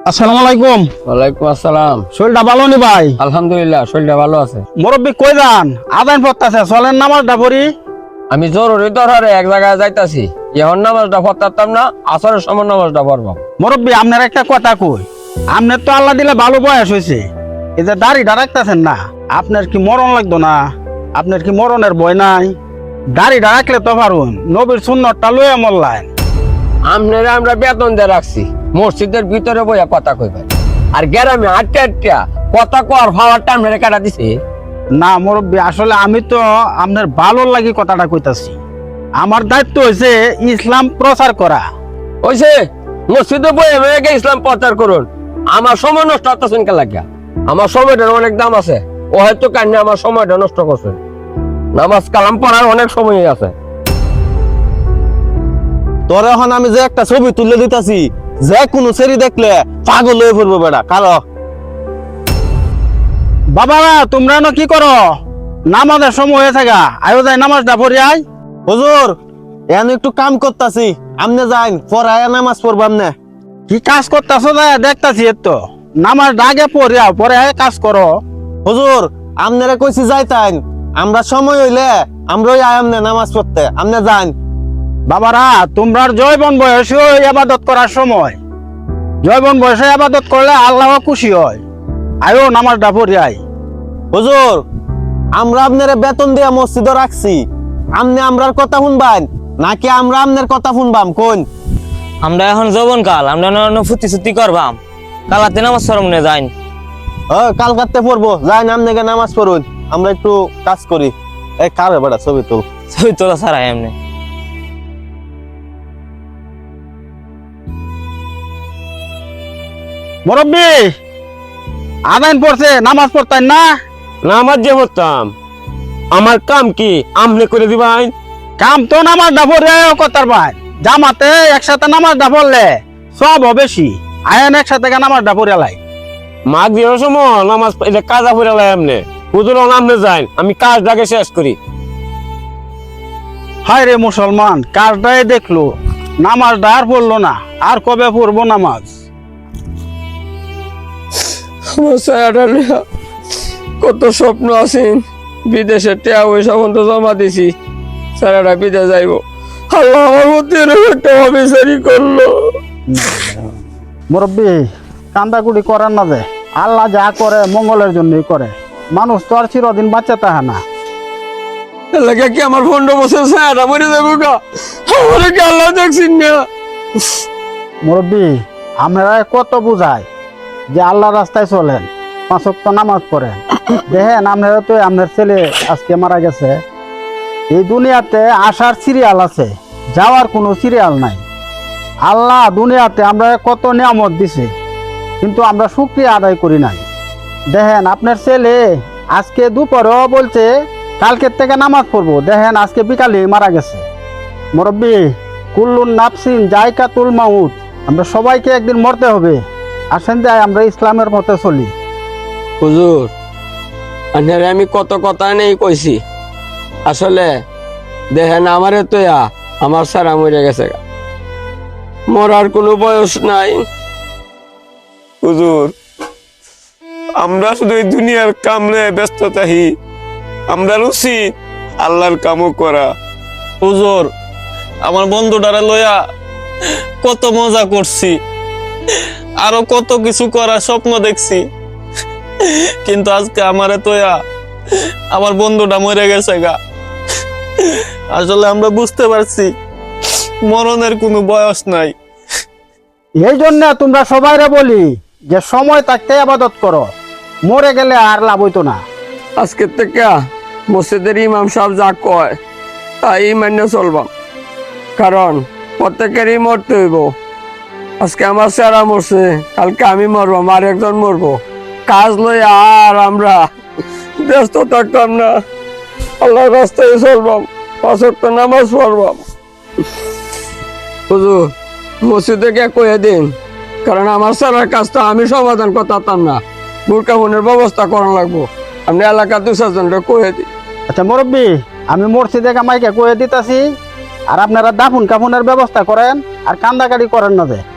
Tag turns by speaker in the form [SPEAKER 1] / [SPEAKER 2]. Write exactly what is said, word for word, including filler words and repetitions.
[SPEAKER 1] আসসালামু আলাইকুম।
[SPEAKER 2] ওয়ালাইকুম আসসালাম।
[SPEAKER 1] শরীরটা ভালো নি ভাই?
[SPEAKER 2] আলহামদুলিল্লাহ, শরীরটা ভালো আছে।
[SPEAKER 1] মুরব্বী কই যান? আদান পড়তাছে, চলেন নামাজটা পড়ি।
[SPEAKER 2] আমি জরুরি দরকারে এক জায়গায় যাইতাছি, এখন নামাজটা পড়তাম না, আসরের সময় নামাজটা পড়বো।
[SPEAKER 1] মুরব্বী আপনার একটা কথা কই, আপনার তো আল্লাহ দিলে ভালো বয়স হয়েছে, এই যে দাড়িটা রাখতেছেন না, আপনার কি মরণ লাগতো না? আপনার কি মরণের ভয় নাই? দাড়িটা রাখলে তো পারুন, নবীর সুন্নতটা লয়ে মরলেন।
[SPEAKER 2] আপনারা আমরা বেতন দিয়ে রাখছি, মসজিদের ভিতরে বইয়া কথা কইবেন, আর গ্রামে আটটা আটটা কথা কর ভাবারটা আপনারা কাটা দিছে।
[SPEAKER 1] না মুরব্বী, আসলে আমি তো আপনার ভালো লাগি কথাটা কইতাছি। আমার দায়িত্ব হয়েছে ইসলাম প্রচার করা।
[SPEAKER 2] ওইছে মসজিদে বইয়া মেয়েকে ইসলাম প্রচার করুন, আমার সময় নষ্ট হতেছেন কে লাগিয়া? আমার সময়টার অনেক দাম আছে, ও হয়তো কান্না আমার সময়টা নষ্ট করছেন। নামাজ কালাম পড়ার অনেক সময় আছে।
[SPEAKER 3] তোর এখন আমি যে একটা ছবি তুলে দিতেছি, যে কোনো সেরি দেখলে পাগল হয়ে পড়বো বেটা। কারো
[SPEAKER 1] বাবারা তোমরা না কি করো? নামাজের সময় হয়েছে গা, আয়ো যাই নামাজটা পড়ি আই।
[SPEAKER 3] হুজুর এখন একটু কাম করতাছি, আমনে যাইন পড়ায় নামাজ পড়বো। আমনে
[SPEAKER 1] কি কাজ করতেছো? দেখতাছি তো নামাজটা আগে পড়ি আও, পরে আয় কাজ করো।
[SPEAKER 3] হুজুর আমনেরা কইছি যাইতাইন, আমরা সময় হইলে আমরা ওই আমনে নামাজ পড়তে। আমনে যাইন।
[SPEAKER 1] বাবারা তোমরা জয়বন বয়সে আবাদত করার সময়, জয়বন বয়সে আবাদত করলে আল্লাহ খুশি হয়। আয়ো নামাজটা পড়ি আই।
[SPEAKER 3] হুজুর আমরা আপনারা বেতন দিয়া মসজিদে রাখছি, আমনে আমরার কথা শুনবান নাকি আমরা আমনের কথা শুনবাম? কোন
[SPEAKER 4] আমরা এখন যৌবন কাল, আমরা ফুটি ছুটি করবাম, কালাতে নামাজ সরমনে যাইন।
[SPEAKER 3] ও কাল কাটতে পড়বো, যাইন আমনে গে নামাজ পড়ুন, আমরা একটু কাজ করি। এই কারে বেটা ছবি তুল।
[SPEAKER 4] ছবি তোলা ছাড়া এমনি
[SPEAKER 1] মুরব্বী আদান পড়ছে, নামাজ পড়তেন না?
[SPEAKER 2] নামাজ যে পড়তাম, আমার কাম কি আমনে করে দিবাই?
[SPEAKER 1] কাম তো নামাজটা পড়ে আয়ো কথার ভাই। জামাতে একসাথে নামাজটা পড়লে সব বেশি। আয়ন একসাথে নামাজটা পড়ে লাই।
[SPEAKER 2] মাঘ বিয়ের সময় নামাজ এটা কাজা পড়ে লাই আমনে। হুজুর আমনে যাইন, আমি কাজটাকে শেষ করি।
[SPEAKER 1] হায় রে মুসলমান, কাজটাই দেখলো, নামাজটা আর পড়লো না। আর কবে পড়বো নামাজ?
[SPEAKER 2] কত স্বপ্ন আছেন, বিদেশে টেয়া পয়সা পর্যন্ত জমা দিছি, সারাটা বিদেশ যাইব। আল্লাহ আমার মধ্যে একটা অবিচারি করলো।
[SPEAKER 1] মুরব্বী কান্দাকুড়ি করেন না, যে আল্লাহ যা করে মঙ্গলের জন্যই করে। মানুষ তো আর চিরদিন বাচ্চা তাহা না।
[SPEAKER 2] এলাকা কি আমার পনেরো বছর সারাটা মরে যাবো গা? আমার কি আল্লাহ দেখছেন না?
[SPEAKER 1] মুরব্বী আমরা কত বুঝাই যে আল্লাহ রাস্তায় চলেন, পাঁচ ওয়াক্ত নামাজ পড়েন। দেখেন আপনারা তো, আপনার ছেলে আজকে মারা গেছে। এই দুনিয়াতে আসার সিরিয়াল আছে, যাওয়ার কোনো সিরিয়াল নাই। আল্লাহ দুনিয়াতে আমরা কত নিয়ামত দিছে, কিন্তু আমরা শুকরিয়া আদায় করি নাই। দেখেন আপনার ছেলে আজকে দুপুরেও বলছে কালকের থেকে নামাজ পড়বো, দেখেন আজকে বিকালে মারা গেছে। মুরব্বী কুল্লুন নাফসিন জায়কাতুল মাউত, আমরা সবাইকে একদিন মরতে হবে। আসেন যাই আমরা ইসলামের পথে চলি।
[SPEAKER 2] হুজুর আপনারে আমি কত কথা নেই কইছি, আসলে দেখেন আমারে তো আমার সারা মরে গেছে গা, মরার কোনো বয়স নাই। হুজুর আমরা শুধু এই দুনিয়ার কামে ব্যস্ত থাকি, আমরা উচিত আল্লাহর কামও করা।
[SPEAKER 3] হুজুর আমার বন্ধুটারে লইয়া কত মজা করছি, আরো কত কিছু করার স্বপ্ন দেখছি, কিন্তু আজকে আমারে তোয়া আমার বন্ধুটা মরে গেছে গা। আসলে আমরা বুঝতে পারছি মরণের কোনো বয়স নাই।
[SPEAKER 1] এই জন্য তোমরা সবাইরে বলি যে সময় থাকতে আবাদত করো, মরে গেলে আর লাভ হইতো না।
[SPEAKER 2] আজকে থেকে মসজিদের ইমাম সাহেব যা কয় তাই মান্য চলবাম, কারণ প্রত্যেকেরই মরতে হইব। আজকে আমার চেহারা মরছে, কালকে আমি মরবো, আর একজন মরবো। কাজ লই আর আমরা ব্যস্ত থাকতাম না, আল্লাহর রাস্তায় চলবাম, পাঁচ ওয়াক্ত নামাজ পড়বাম। হুজুর মসজিদে গিয়ে কয়ে দিন, কারণ আমার সারার কাজটা আমি সমাধান করতাম না, বুরকা ফোনের ব্যবস্থা করা লাগবো। আপনি এলাকার দু চারজনটা কয়ে দিন।
[SPEAKER 1] আচ্ছা মুরব্বী, আমি মসজিদে মাইকে কয়ে দিতেছি, আর আপনারা দাফন কাফনের ব্যবস্থা করেন, আর কান্দাকাটি করেন না যে।